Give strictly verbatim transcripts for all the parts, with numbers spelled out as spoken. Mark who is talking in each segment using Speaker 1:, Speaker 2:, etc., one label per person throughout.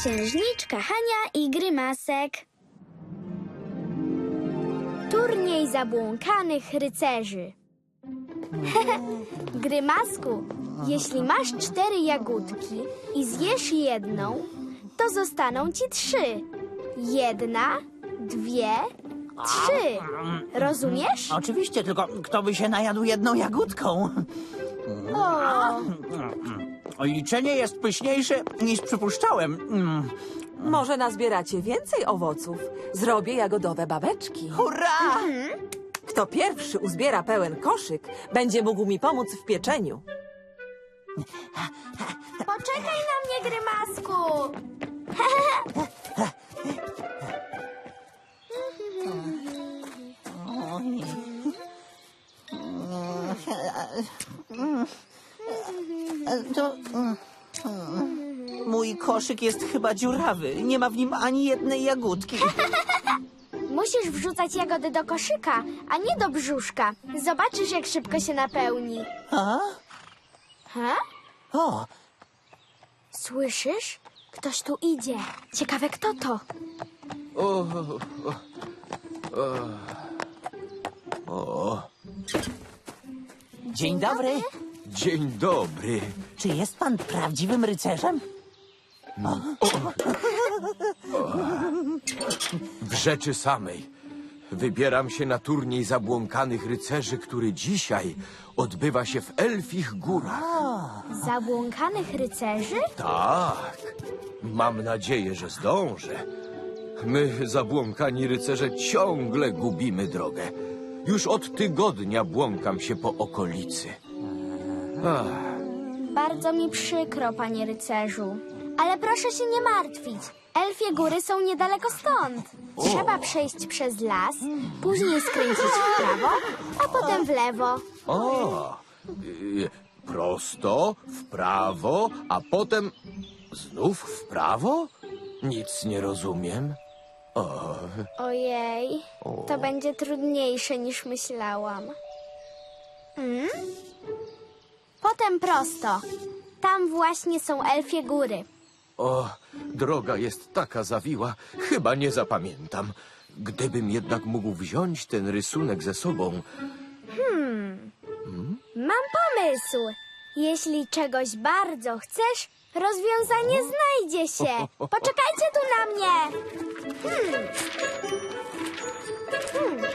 Speaker 1: Księżniczka Hania i Grymasek. Turniej zabłąkanych rycerzy. Grymasku, jeśli masz cztery jagódki i zjesz jedną, to zostaną ci trzy. Jedna, dwie, trzy. Rozumiesz?
Speaker 2: Oczywiście, tylko kto by się najadł jedną jagódką?
Speaker 1: O,
Speaker 2: Liczenie jest pyszniejsze niż przypuszczałem. Mm.
Speaker 3: Może nazbieracie więcej owoców. Zrobię jagodowe babeczki.
Speaker 2: Hurra!
Speaker 3: Kto pierwszy uzbiera pełen koszyk, będzie mógł mi pomóc w pieczeniu.
Speaker 1: poczekaj na mnie, Grymasku.
Speaker 2: To... Mój koszyk jest chyba dziurawy. Nie ma w nim ani jednej jagódki.
Speaker 1: Musisz wrzucać jagody do koszyka, a nie do brzuszka. Zobaczysz, jak szybko się napełni.
Speaker 2: A?
Speaker 1: Ha?
Speaker 2: O,
Speaker 1: Słyszysz? Ktoś tu idzie. Ciekawe, kto to.
Speaker 4: O, o, o.
Speaker 2: dzień dobry.
Speaker 4: Dzień dobry.
Speaker 2: Czy jest pan prawdziwym rycerzem?
Speaker 4: W rzeczy samej. Wybieram się na turniej zabłąkanych rycerzy, który dzisiaj odbywa się w Elfich Górach.
Speaker 1: Zabłąkanych rycerzy?
Speaker 4: Tak. Mam nadzieję, że zdążę. My, zabłąkani rycerze, ciągle gubimy drogę. Już od tygodnia błąkam się po okolicy. Ach.
Speaker 1: Bardzo mi przykro, panie rycerzu. Ale proszę się nie martwić. Elfie góry są niedaleko stąd. Trzeba przejść przez las, później skręcić w prawo, a potem w lewo.
Speaker 4: O, y, prosto, w prawo, a potem znów w prawo? Nic nie rozumiem. O,
Speaker 1: Ojej, to będzie trudniejsze niż myślałam. Mm? Potem prosto. Tam właśnie są Elfie góry.
Speaker 4: o, droga jest taka zawiła, chyba nie zapamiętam. Gdybym jednak mógł wziąć ten rysunek ze sobą.
Speaker 1: Mam pomysł. Jeśli czegoś bardzo chcesz, rozwiązanie znajdzie się. Poczekajcie tu na mnie. Hmm. Hmm.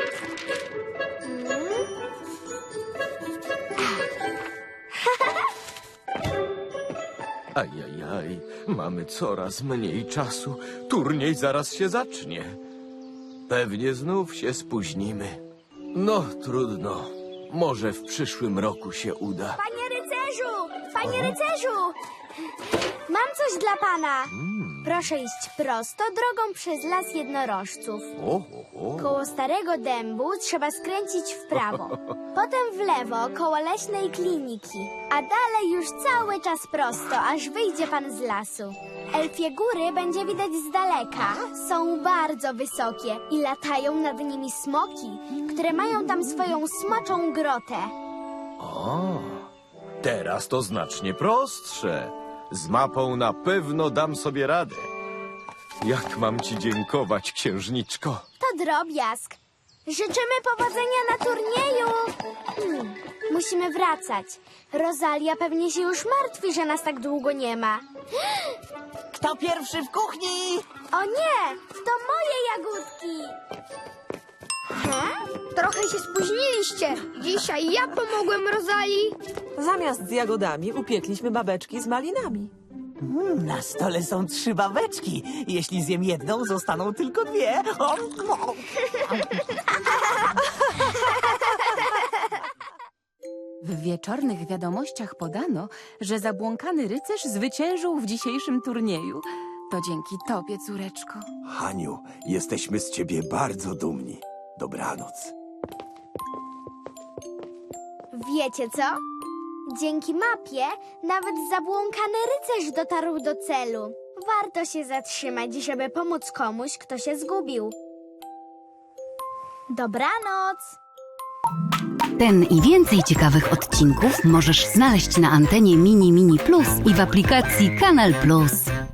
Speaker 4: Ajajaj, mamy coraz mniej czasu. Turniej zaraz się zacznie. Pewnie znów się spóźnimy. No, trudno. Może w przyszłym roku się uda.
Speaker 1: Panie rycerzu! Panie rycerzu! Mam coś dla pana. Proszę iść prosto drogą przez las jednorożców.
Speaker 4: O, o, o.
Speaker 1: Koło starego dębu trzeba skręcić w prawo. Potem w lewo koło leśnej kliniki. A dalej już cały czas prosto, aż wyjdzie pan z lasu. Elfie góry będzie widać z daleka. Są bardzo wysokie i latają nad nimi smoki, które mają tam swoją smoczą grotę.
Speaker 4: O, teraz to znacznie prostsze. Z mapą na pewno dam sobie radę. Jak mam ci dziękować, księżniczko?
Speaker 1: To drobiazg. Życzymy powodzenia na turnieju. Hmm, musimy wracać. Rosalia pewnie się już martwi, że nas tak długo nie ma.
Speaker 2: Kto pierwszy w kuchni?
Speaker 1: O nie, to moje jagódki. He? Trochę się spóźniliście. Dzisiaj ja pomogłem Rosalii.
Speaker 3: Zamiast z jagodami upiekliśmy babeczki z malinami.
Speaker 2: Mm, na stole są trzy babeczki. Jeśli zjem jedną, zostaną tylko dwie. O, o.
Speaker 5: W wieczornych wiadomościach podano, że zabłąkany rycerz zwyciężył w dzisiejszym turnieju. To dzięki tobie, córeczko.
Speaker 6: Haniu, jesteśmy z ciebie bardzo dumni. Dobranoc.
Speaker 1: Wiecie co? Dzięki mapie nawet zabłąkany rycerz dotarł do celu. Warto się zatrzymać, żeby pomóc komuś, kto się zgubił. Dobranoc!
Speaker 7: Ten i więcej ciekawych odcinków możesz znaleźć na antenie Mini Mini Plus i w aplikacji Kanal Plus.